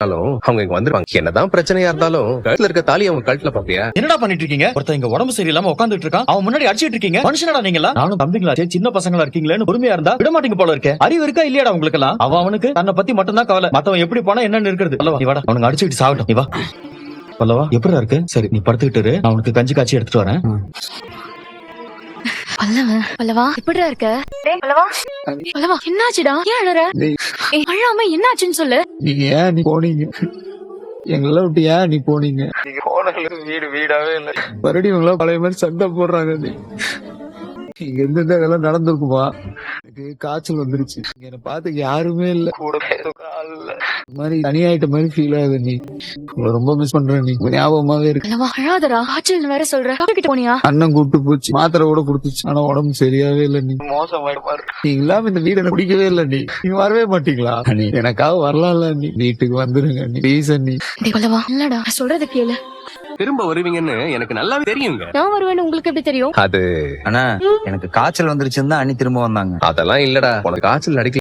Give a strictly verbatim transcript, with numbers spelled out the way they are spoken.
அவங்க இங்க வந்துருவாங்க. என்னதான் பிரச்சனையா இருந்தாலும் கழுத்துல இருக்க தாலி அவங்க கழுத்துல பாப்பியா? என்னடா பண்ணிட்டு இருக்கீங்க? ஒருத்தன் இங்க உடம்பு சரியில்லாம உட்காந்துட்டு இருக்கான், அவன் முன்னாடி அடிச்சிட்டு இருக்கீங்க. மனுஷனடா நீங்களா? நானும் தம்பிங்களா சின்ன பசங்களா இருக்கீங்களேன்னு பொறுமையா இருந்தா விட மாட்டீங்க போல இருக்கே. அறிவு இருக்கா இல்லையாடா உங்களுக்கு எல்லாம்? அவன் அவனுக்கு தன்னை பத்தி மட்டும் தான் கவலை, மத்தவன் எப்படி போனா என்னன்னு இருக்கிறது. நீ வாடா, அவனுக்கு அடிச்சுட்டு சாகட்டும். நீ வா. பல்லவா எப்படிடா இருக்கு? சரி நீ படுத்துக்கிட்டு, நான் உனக்கு கஞ்சி காய்ச்சி எடுத்துட்டு வரேன். பல்லவா பல்லவா எப்படிடா இருக்க? பல்லவா பல்லவா என்னாச்சுடா? ஏன் அழற? அழாம என்னாச்சுன்னு சொல்லு. நீங்க ஏன் நீ போனீங்க? எங்களை விட்டு ஏன் நீ போனீங்க? நீங்க போனதுல வீடு வீடாவே இல்லை. மறுபடியும் பழைய மாதிரி சண்டை போடுறாங்க. இங்க இருந்து இதெல்லாம் நடந்திருக்குமா? எனக்கு காய்ச்சல் வந்துருச்சு. என்னை பார்த்து யாருமே இல்ல, கூட மாதிரி தனியாயிட்ட மாதிரி ஃபீல் ஆகுது. நீ ரொம்ப மிஸ் பண்றேன். நீ ஞாபகமாவே இருக்கு. அழாதடா, காய்ச்சல் வேற சொல்ற. கிட்ட போனியா? அண்ணன் கூப்பிட்டு போச்சு, மாத்திரை கூட கொடுத்துச்சு. ஆனா உடம்பு சரியாவே இல்ல. நீ மோசமாயிடுமா? நீ இல்லாம இந்த வீடு எனக்கு பிடிக்கவே இல்ல. நீ நீங்க வரவே மாட்டீங்களா? நீ எனக்காக வரலாம்ல. நீ வீட்டுக்கு வந்துருங்க. நீ ப்ளீஸ் அண்ணி. இல்லடா சொல்றது கேளு. திரும்ப வருவீங்கன்னு எனக்கு நல்லாவே தெரியுங்க. நான் வருவேன்னு உங்களுக்கு எப்படி தெரியும்? அது அண்ணா எனக்கு காய்ச்சல் வந்துருச்சுன்னு தான் அண்ணி திரும்ப வந்தாங்க. அதெல்லாம் இல்லடா, உனக்கு காய்ச்சல் அடிக்கல.